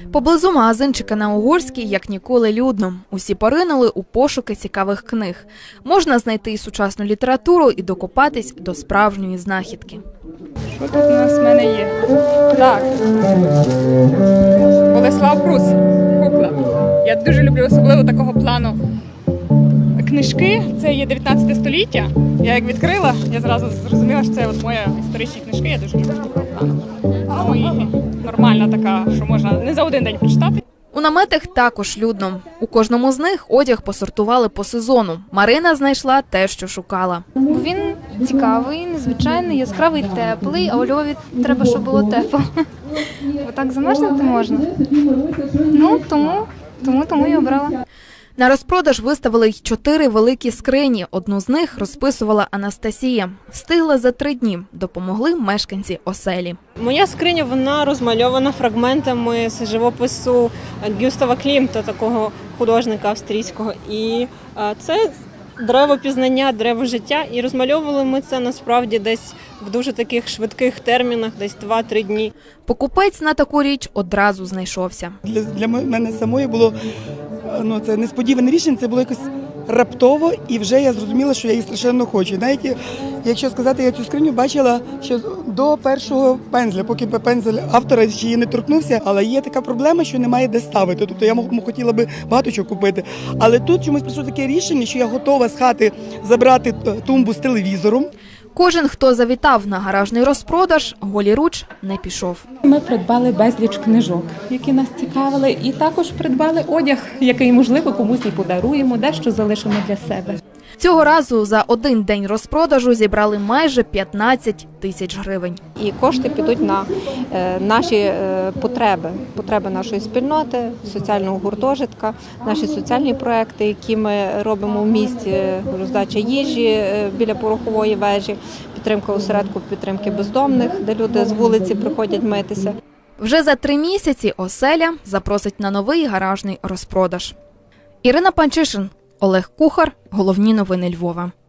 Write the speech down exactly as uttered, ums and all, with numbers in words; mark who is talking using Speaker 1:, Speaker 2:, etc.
Speaker 1: Поблизу магазинчика на Угорській як ніколи людно. Усі поринули у пошуки цікавих книг. Можна знайти і сучасну літературу, і докопатись до справжньої знахідки.
Speaker 2: Що тут у нас в мене є? Так. Болеслав Прус. Кукла. Я дуже люблю особливо такого плану книжки. Це є дев'ятнадцяте століття. Я як відкрила, я зразу зрозуміла, що це от моя історичні книжки. Я дуже люблю такого плану. Ну і нормальна така, що можна не за один день прочитати.
Speaker 1: У наметах також людно. У кожному з них одяг посортували по сезону. Марина знайшла те, що шукала.
Speaker 3: Він цікавий, незвичайний, яскравий, теплий, а у Львові треба, щоб було тепло. Бо так замерзнути можна. Ну, тому, тому, тому і обрала.
Speaker 1: На розпродаж виставили й чотири великі скрині. Одну з них розписувала Анастасія. Встигла за три дні. Допомогли мешканці оселі.
Speaker 4: Моя скриня, вона розмальована фрагментами з живопису Гюстава Клімта, такого художника австрійського. І це дерево пізнання, дерево життя. І розмальовували ми це насправді десь в дуже таких швидких термінах, десь два-три дні.
Speaker 1: Покупець на таку річ одразу знайшовся.
Speaker 5: Для, для мене самої було ну, це несподіване рішення, це було якось раптово, і вже я зрозуміла, що я її страшенно хочу. Навіть, якщо сказати, я цю скриню бачила ще до першого пензля, поки пензель автора ще її не торкнувся, але є така проблема, що немає де ставити. Тобто я хотіла би багато чого купити. Але тут чомусь прийшло таке рішення, що я готова з хати забрати тумбу з телевізором.
Speaker 1: Кожен, хто завітав на гаражний розпродаж, голіруч не пішов.
Speaker 6: Ми придбали безліч книжок, які нас цікавили, і також придбали одяг, який, можливо, комусь і подаруємо, дещо залишимо для себе.
Speaker 1: Цього разу за один день розпродажу зібрали майже п'ятнадцять тисяч гривень.
Speaker 7: І кошти підуть на е, наші е, потреби, потреби нашої спільноти, соціального гуртожитка, наші соціальні проекти, які ми робимо в місті, роздача їжі е, біля порохової вежі, підтримка осередку підтримки бездомних, де люди з вулиці приходять митися.
Speaker 1: Вже за три місяці оселя запросить на новий гаражний розпродаж. Ірина Панчишин, Олег Кухар. Головні новини Львова.